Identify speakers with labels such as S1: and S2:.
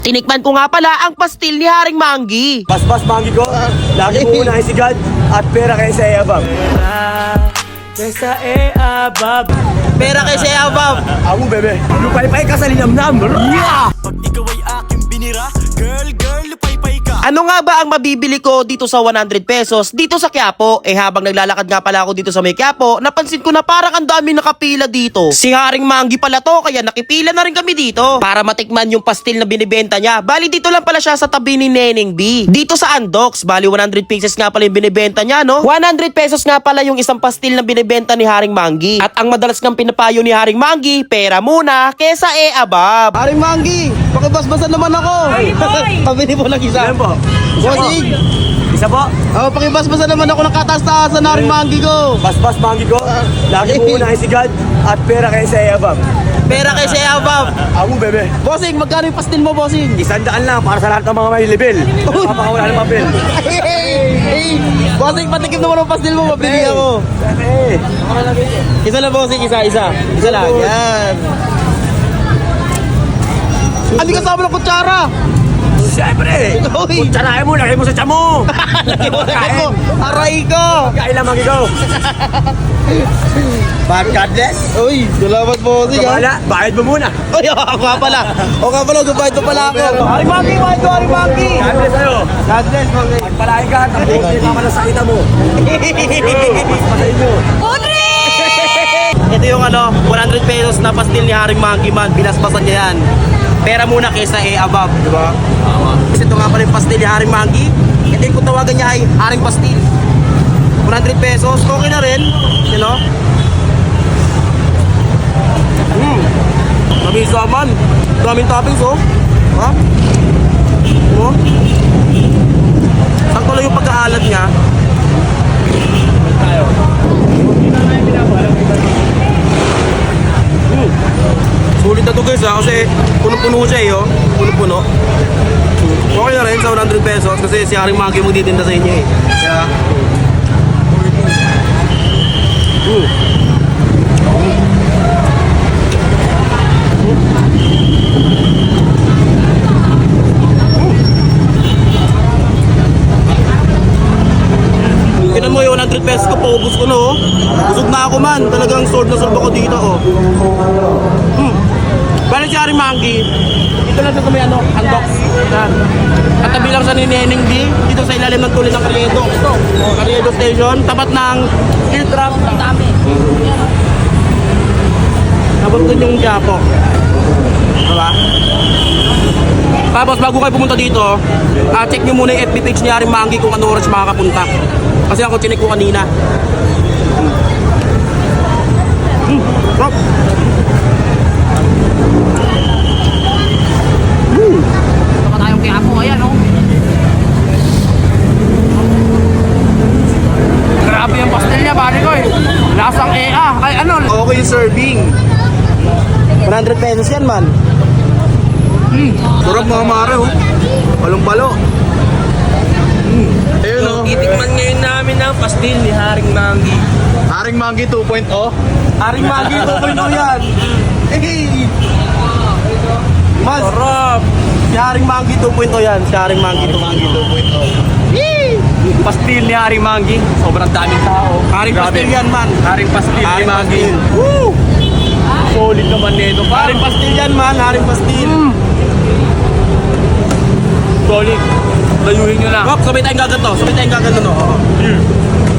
S1: Tinikman ko nga pala ang pastil ni Haring Manggi.
S2: Basbas Manggi ko, lagi mo unahin si God at pera kayo sa Eabab.
S3: Kesa Eabab.
S1: Pera kay Shea Bob.
S2: Ako bebe, lupay-pay ka sa linamnam. Yeah!
S3: Pag ikaw ay aking binira, girl, lupay-pay ka.
S1: Ano nga ba ang mabibili ko dito sa 100 pesos dito sa Quiapo? Habang naglalakad nga pala ako dito sa may Quiapo, napansin ko na parang ang dami nakapila dito. Si Haring Manggi pala to, kaya nakipila na rin kami dito para matikman yung pastil na binibenta niya. Bali dito lang pala siya sa tabi ni Neneng B. Dito sa Andox, bali 100 pesos nga pala yung binibenta niya, no? 100 pesos nga pala yung isang pastil na binibenta ni Haring Manggi. At ang madalas ng pinapayo ni Haring Manggi, pera muna kesa Eabab.
S4: Haring Manggi, pakibasbasan naman ako. Pabili po lang isa.
S2: Ayan po.
S4: Bossing,
S2: Isa po,
S4: pakibasbasan naman ako ng kataas-taasan ng Haring Manggi ko.
S2: Basbas Manggi ko, lagi mo unahin si God at pera kayo sa Eabab.
S1: Pera kay Shea Bob.
S2: Ako bebe,
S4: Bossing, magkano yung pastil mo, Bossing?
S2: 100 lang para sa lahat ng mga may level. Papakawala ng papel.
S4: Hey, Bossing, patikim naman ang pastil mo, mabili ako.
S2: Eh,
S4: Isa lang, Bossing, isa lang, yan. Hindi kasama ng kutsara.
S2: siyempre.
S4: Uy.
S2: Kutsarahin mo, lagay mo sa tiyan mo.
S4: Aray ko.
S2: Kain lang Manggi ko. Bad God bless.
S4: Uy, salamat, Bossing, ha.
S2: Kamala, bayad mo muna.
S4: Uy, ako nga pala, gubayad pa pala ako.
S2: Haring Manggi, bayad ko, Haring Manggi. God bless sa'yo.
S4: God bless, Bossing.
S2: Pagpalain ka, tapos hindi ka sa kita mo. Mas masayin mo.
S1: Ito yung 100 pesos na pastil ni Haring Manggi man. Binasbasan niya yan. Pera muna kesa Eabab, di ba? Kasi ito nga pala yung pastil ni Haring Manggi. Ito yung kung tawagan niya ay Haring Pastil. 100 pesos, okay na rin. You know? Mabisa man. Daming toppings, oh. Ha? Oh. Sakto lang yung pagkaalat niya. Sulit na to guys ha, kasi puno-puno siya eh, oh. Puno-puno. Okay na rin sa 100 pesos kasi si Haring Manggi magtitinda sa inyo eh. Kaya... Tinan mo yung 100 pesos ko, paubos ko no. Busog na ako man, talagang sword na sword ako dito oh. Bale si Haring Manggi, dito lang sa may Andox. Yan. Katabi lang sa Neneng B, dito sa ilalim ng tuloy ng Carriedo. Ito, Carriedo Station, tapat ng steel trap. Ang dami. Tapos dun yung Quiapo. Diba? Tapos bago kayo pumunta dito, check nyo muna yung FB page ni Haring Manggi kung ano oras makakapunta. Kasi ako chinek ko kanina. Rock.
S5: Ito pa tayong Quiapo, ayan oh. Grabe yung pastel niya, pare ko eh. Lasang EA. Ay ano?
S4: Okay yung serving. 100 pesos yan, man.
S2: Sarap mga mare, oh. Balong-balo.
S4: Ayun, oh.
S3: Titikman ngayon namin ang pastil ni Haring Manggi.
S4: Haring Manggi 2.0.
S2: Haring Manggi, 2.0 yan.
S4: Hey!
S1: Mas,
S3: Sarap!
S1: si Haring Manggi 2.0 yan. Si Haring Manggi 2.0.
S3: Pastil ni Haring Manggi. Sobrang daming tao.
S1: Haring pastil yan man.
S3: Haring pastil.
S1: Haring
S3: yan,
S1: Manggi.
S3: pastil.
S1: Woo!
S3: Solid naman nito.
S1: Haring pastil yan man. Haring pastil.
S3: Solid. Layuhin nyo na.
S1: Rock, sabay tayong gaganto. Sabay tayong gaganto no. Oo.